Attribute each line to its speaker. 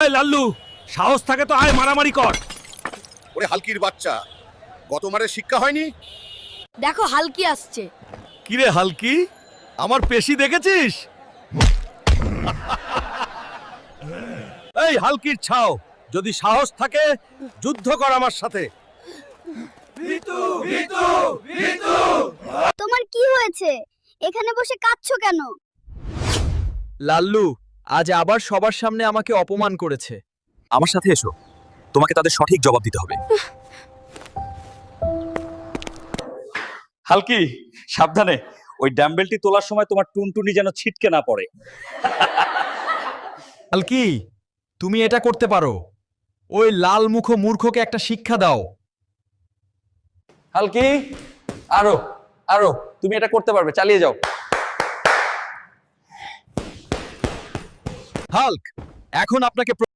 Speaker 1: লাল্লু, সাহস থাকে তো আয় মারামারি কর।
Speaker 2: ওরে হালকির বাচ্চা, গতবারের শিক্ষা হয়নি?
Speaker 3: দেখো হালকি আসছে।
Speaker 1: কিরে হালকি, আমার পেশি দেখেছিস? এই হালকির ছাও, যদি সাহস থাকে যুদ্ধ কর আমার সাথে।
Speaker 3: তোমার কি হয়েছে? এখানে বসে কাঁদছো কেন?
Speaker 4: লাল্লু আজ আবার সবার সামনে আমাকে অপমান করেছে।
Speaker 5: আমার সাথে এসো, তোমাকে তাদের সঠিক জবাব দিতে হবে। হালকি, সাবধানে, ওই ড্যাম্বেলটি তোলার সময় তোমার টুনটুনি যেন ছিটকে না পড়ে।
Speaker 4: হালকি, তুমি এটা করতে পারো। ওই লাল মুখ মূর্খকে একটা শিক্ষা দাও।
Speaker 5: হালকি, আরো আরো, তুমি এটা করতে পারবে, চালিয়ে যাও।
Speaker 4: হাল্ক, এখন আপনাকে